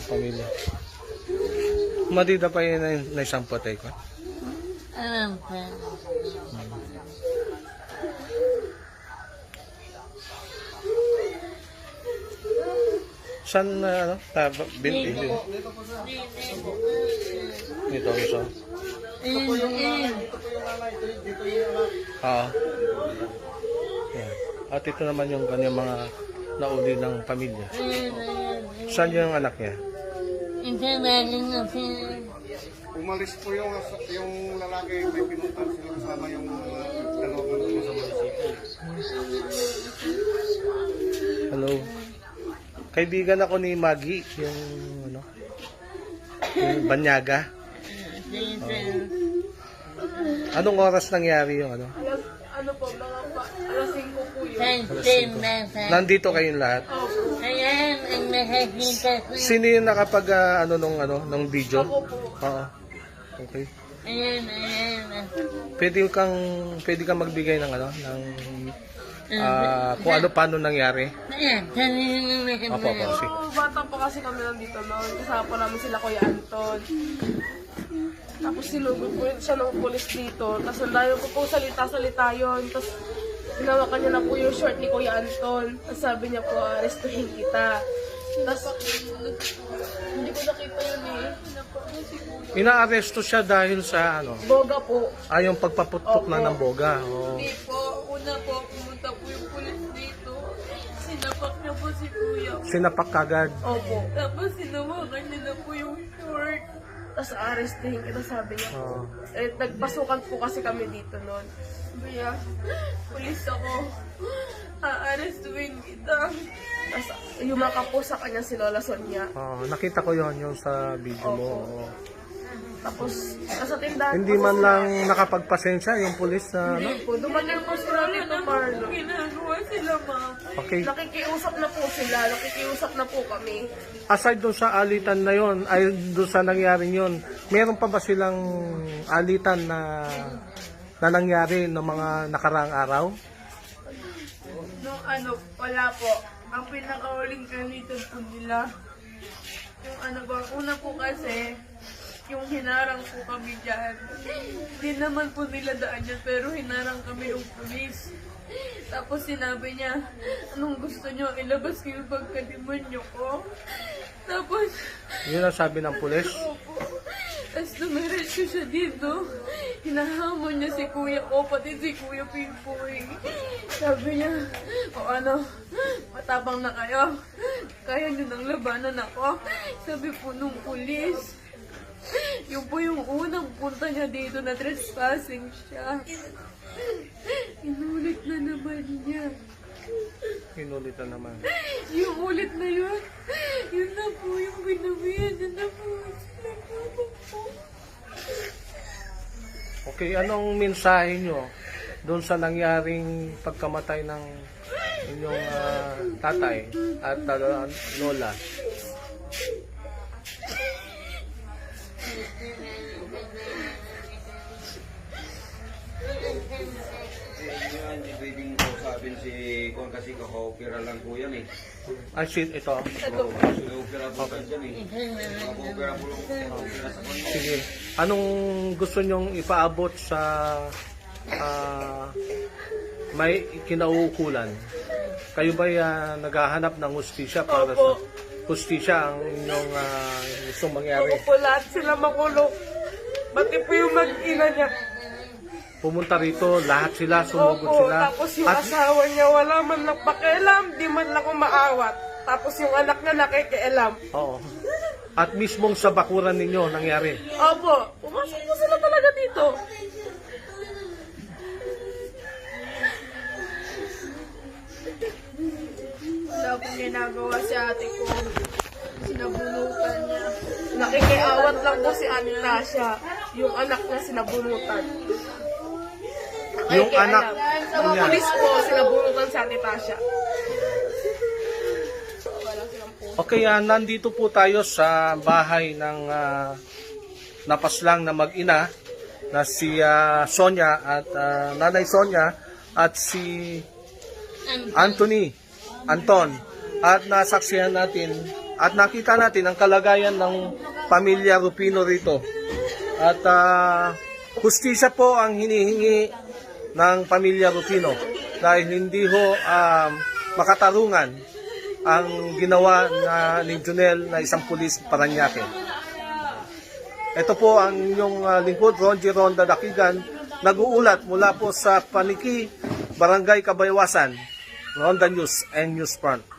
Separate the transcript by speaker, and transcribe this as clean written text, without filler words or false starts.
Speaker 1: pamilya. Madida pa yun na isang patay ko.
Speaker 2: Alam ko.
Speaker 1: Saan na, binti? Dito, isa. Yan. At ito naman yung kanyang mga nauli ng pamilya. Saan yung anak niya?
Speaker 3: Umalis po yung lalaki, may pinuntan sila kasama yung dalawa ko sa munisipyo.
Speaker 1: Hello. Kaibigan ako ni Maggie, yung Banyaga. Anong oras nangyari yung
Speaker 4: Ano po, mga alas 5 po yun.
Speaker 1: Nandito kayong lahat?
Speaker 2: Ayan, ang nakakita ko.
Speaker 1: Sino yung nakapag nung video?
Speaker 4: Ako po.
Speaker 1: Oo. Okay.
Speaker 2: Ayan.
Speaker 1: Pwede kang magbigay ng kung ano paano nangyari.
Speaker 2: Ayan, kanina na
Speaker 1: Opo, sige.
Speaker 4: Bata pa kasi kami nandito noon. Kasama po namin sila Kuya Anton. Tapos sinugod po siya ng pulis dito. Tapos nandayo ko po salita-salita yun. Tapos hinawakan niya na po yung short ni Kuya Anton. Tapos sabi niya po, arestuhin kita. Tapos hindi ko nakita yun eh.
Speaker 1: Inaaresto siya dahil sa
Speaker 4: Boga po.
Speaker 1: yung pagpaputok na ng boga. Oh.
Speaker 5: Hindi po. Una po, pumunta po yung pulis dito. Sinapak niya po si Kuya.
Speaker 1: Sinapak kagad.
Speaker 4: Opo.
Speaker 5: Tapos sinawakan niya na po yung short.
Speaker 4: Tapos arestuhin kita, sabi niya po.
Speaker 1: Oo.
Speaker 4: Nagpasukan po kasi kami dito noon.
Speaker 5: Kaya, pulis ako. Aarestuin kita.
Speaker 4: Tapos yumaka po sa kanya si Lola Sonia.
Speaker 1: Nakita ko yung sa video mo.
Speaker 4: Opo.
Speaker 1: Oo.
Speaker 4: Tapos nasa tindahan
Speaker 1: Hindi
Speaker 4: po
Speaker 1: man
Speaker 4: sila.
Speaker 1: lang nakapagpasensya yung pulis na
Speaker 4: Hindi po. Dumating po sila dito, Marlo.
Speaker 5: Ginagawa sila, ma'am.
Speaker 1: Okay.
Speaker 4: Nakikiusap na po sila. Nakikiusap na po kami.
Speaker 1: Aside doon sa alitan na yon, ay doon sa nangyaring yon, meron pa ba silang alitan na nangyari ng mga nakaraang araw?
Speaker 5: Nung wala po. Ang pinakauling kanitan po nila. Yung una po kasi, yung hinarang po kami dyan. Hindi naman po nila daan dyan, pero hinarang kami ng pulis. Tapos sinabi niya, anong gusto niyo? Ilabas ko yung pagkadimonyo ko. Tapos,
Speaker 1: Yun ang sabi ng pulis.
Speaker 5: opo. Tapos dumiretso siya dito. Hinahamon niya si kuya ko, pati si kuya Pimpoy. Sabi niya, matabang na kayo. Kaya niyo nang labanan ako. Sabi po nung pulis. Yung po yung unang punta niya dito na trespassing siya. Inulit na naman niya.
Speaker 1: Inulit na naman.
Speaker 5: Yung ulit na yun, yun na po yung ginawian. Yun na po.
Speaker 1: Okay, anong mensahe nyo doon sa nangyaring pagkamatay ng inyong tatay at lola?
Speaker 6: Hindi pwedeng kausapin si Kwan kasi kaka-opera lang po yan eh.
Speaker 1: Ay, shit, ito.
Speaker 6: Kaka-opera po yan eh. Kaka-opera po lang opera sa Kwan.
Speaker 1: Sige. Anong gusto nyong ipaabot sa may kinauukulan? Kayo ba naghahanap ng hustisya para sa hustisya ang inyong gustong mangyari?
Speaker 4: Opo, lahat sila makulong. Pati po yung mag-ina niya.
Speaker 1: Pumunta rito, lahat sila, sumugod
Speaker 4: Opo,
Speaker 1: sila.
Speaker 4: tapos yung asawa niya wala man lang pakialam, di man lang umaawat. Tapos yung anak niya nakikialam.
Speaker 1: Oo. At mismong sa bakuran ninyo nangyari.
Speaker 4: Opo, pumasok po sila talaga dito.
Speaker 5: Wala pong ginagawa si ate ko. Sinabunutan niya.
Speaker 4: Nakikiawat lang po si Ate Tasha. Yung anak niya sinabunutan.
Speaker 1: Yung anak
Speaker 4: Sa mga
Speaker 1: niya.
Speaker 4: pulis po, sinabunutan si Ate Tasha. Wala silang po.
Speaker 1: Okay, nandito po tayo sa bahay ng napaslang na mag-ina na si Sonia at Nanay Sonia at si Anton. At nasaksihan natin At nakita natin ang kalagayan ng pamilya Rufino rito. At hustisya po ang hinihingi ng pamilya Rufino dahil hindi ho makatarungan ang ginawa ni Junel na isang pulis Parañaque. Ito po ang inyong lingkod, Ronji Ronda Dakigan, nag-uulat mula po sa Paniki, Barangay Kabaywasan, Ronda News and News Front.